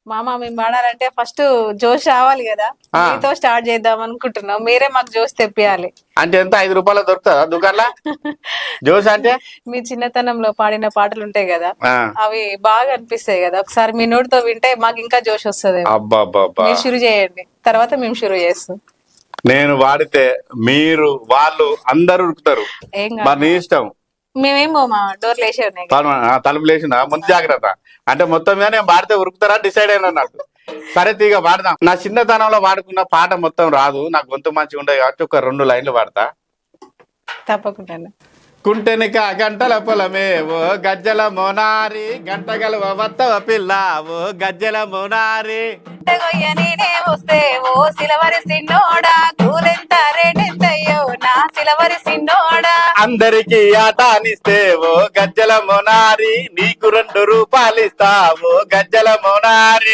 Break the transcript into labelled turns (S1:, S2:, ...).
S1: మామ మేము పాడాలంటే ఫస్ట్ జోష్ రావాలి కదా, మీతో స్టార్ట్ చేద్దాం అనుకుంటున్నాం. మీరే మాకు జోష్ తెప్పియాలి.
S2: అంటే ఎంత 5 రూపాయలు దొరుకుతుందా దుకాణంలో జోష్ అంటే?
S1: మీ చిన్నతనంలో పాడిన పాటలు ఉంటాయి కదా, అవి బాగా అనిపిస్తాయి కదా, ఒకసారి మీ నోటితో వింటే మాకు ఇంకా జోష్ వస్తుంది. మీరు షురు చేయండి, తర్వాత మేము షురు చేస్తాం.
S2: నేను వాడితే మీరు వాళ్ళు అందరు ఉరుకుతారు, మరి నీ ఇష్టం.
S1: మేమేమో మా డోర్లు వేసే ఉన్నాయి,
S2: తలుపులు వేసిన ముందు జాగ్రత్త. అంటే మొత్తం మీద నేను పాడితే ఉరుకుతారా డిసైడ్ అయినా అన్నట్టు. సరే తీగ పాడదాం. నా చిన్నతనంలో పాడుకున్న పాట మొత్తం రాదు, నాకు గొంతు మంచిగా ఉండదు కాబట్టి ఒక 2 లైన్లు పాడతా.
S1: తప్పకుండా.
S2: కుంటెనిక గంటల పొలమే ఓ గజ్జల మోనారి, గంటగల వత్తవ పిల్ల ఓ గజ్జల మోనారి.
S1: వస్తే ఓ సిలవరి సిన్నోడా, కూలెంత రేటెంతయ్యో నా సిలవరి సిన్నోడా.
S2: అందరికి ఆటానిస్తే ఓ గజ్జల మోనారి, నీకు 2 రూపాయలు ఇస్తా ఓ గజ్జల మోనారి.